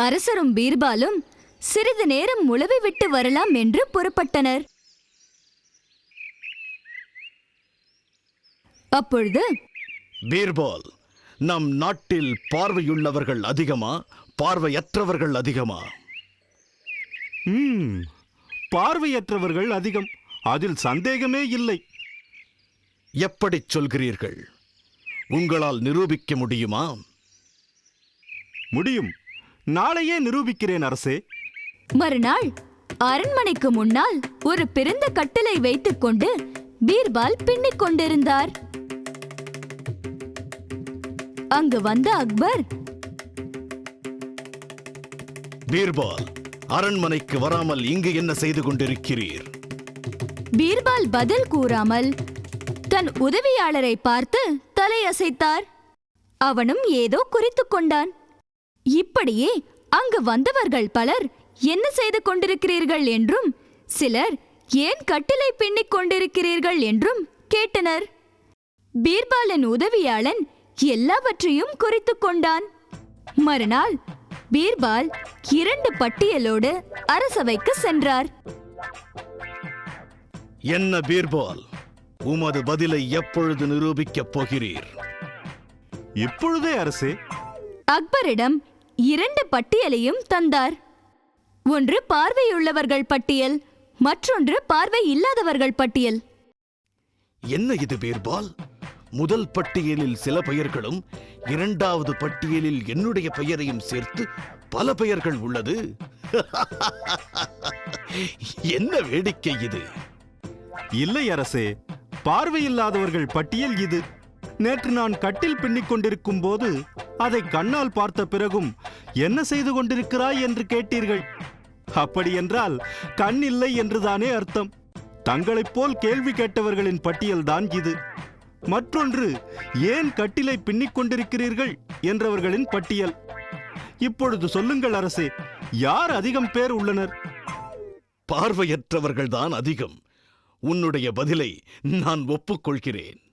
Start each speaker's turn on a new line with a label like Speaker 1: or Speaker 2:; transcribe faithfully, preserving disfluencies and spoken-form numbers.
Speaker 1: அரசரும் பீர்பாலும் சிறிது நேரம் உளவி விட்டு வரலாம் என்று புறப்பட்டனர். அப்பொழுது,
Speaker 2: பீர்பால், நம் நாட்டில் பார்வையுள்ளவர்கள் அதிகமா, பார்வையற்றவர்கள் அதிகமா?
Speaker 3: ம் பார்வையற்றவர்கள் அதிகம், அதில் சந்தேகமே இல்லை.
Speaker 2: எப்படிச் சொல்கிறீர்கள்? உங்களால் நிரூபிக்க முடியுமா?
Speaker 3: முடியும், நாளையே நிரூபிக்கிறேன் அரசே.
Speaker 1: மறுநாள் அரண்மனைக்கு முன்னால் ஒரு பிறந்த கட்டிலை வைத்துக் கொண்டு பீர்பால் பின்னிக் கொண்டிருந்தார். அங்கு வந்த அக்பர்,
Speaker 2: பீர்பால், அரண்மனைக்கு வராமல் இங்கு என்ன செய்து கொண்டிருக்கிறீர்?
Speaker 1: பீர்பால் பதில் கூறாமல் தன் உதவியாளரை பார்த்து தலையசைத்தார். அவனும் ஏதோ குறித்துக் கொண்டான். இப்படியே அங்கு வந்தவர்கள் பலர் என்ன செய்து கொண்டிருக்கிறீர்கள் என்றும், சிலர் ஏன் கட்டிலை பின்னிக் கொண்டிருக்கிறீர்கள் என்றும் கேட்டனர். பீர்பாலின் உதவியாளன் எல்லாவற்றையும் குறித்துக் கொண்டான். மறுநாள் பீர்பால் இரண்டு பட்டியலோடு அரசவைக்கு சென்றார்.
Speaker 2: என்ன பீர்பால், உமது பதிலை எப்பொழுது நிரூபிக்கப் போகிறீர்?
Speaker 3: இப்பொழுதே அரசே.
Speaker 1: அக்பரிடம் இரண்டு பட்டியலையும் தந்தார். ஒன்று பார்வையுள்ளவர்கள் பட்டியல், மற்றொன்று பார்வை இல்லாதவர்கள் பட்டியல்.
Speaker 2: என்ன இது பீர்பால்? முதல் பட்டியலில் சில பெயர்களும், இரண்டாவது பட்டியலில் என்னுடைய பெயரையும் சேர்த்து பல பெயர்கள் உள்ளது. என்ன வேடிக்கை இது?
Speaker 3: இல்லை அரசே, பார்வையில்லாதவர்கள் பட்டியல் இது. நேற்று நான் கட்டில் பின்னிக் கொண்டிருக்கும் போது அதை கண்ணால் பார்த்த பிறகும் என்ன செய்து கொண்டிருக்கிறாய் என்று கேட்டீர்கள். அப்படியென்றால் கண் இல்லை என்றுதானே அர்த்தம். தங்களைப் போல் கேள்வி கேட்டவர்களின் பட்டியல்தான் இது. மற்றொன்று, ஏன் கட்டிலை பின்னிக் கொண்டிருக்கிறீர்கள் என்றவர்களின் பட்டியல். இப்பொழுது சொல்லுங்கள் அரசே, யார் அதிகம் பேர் உள்ளனர்?
Speaker 2: பார்வையற்றவர்கள்தான் அதிகம். உன்னுடைய பதிலை நான் ஒப்புக்கொள்கிறேன்.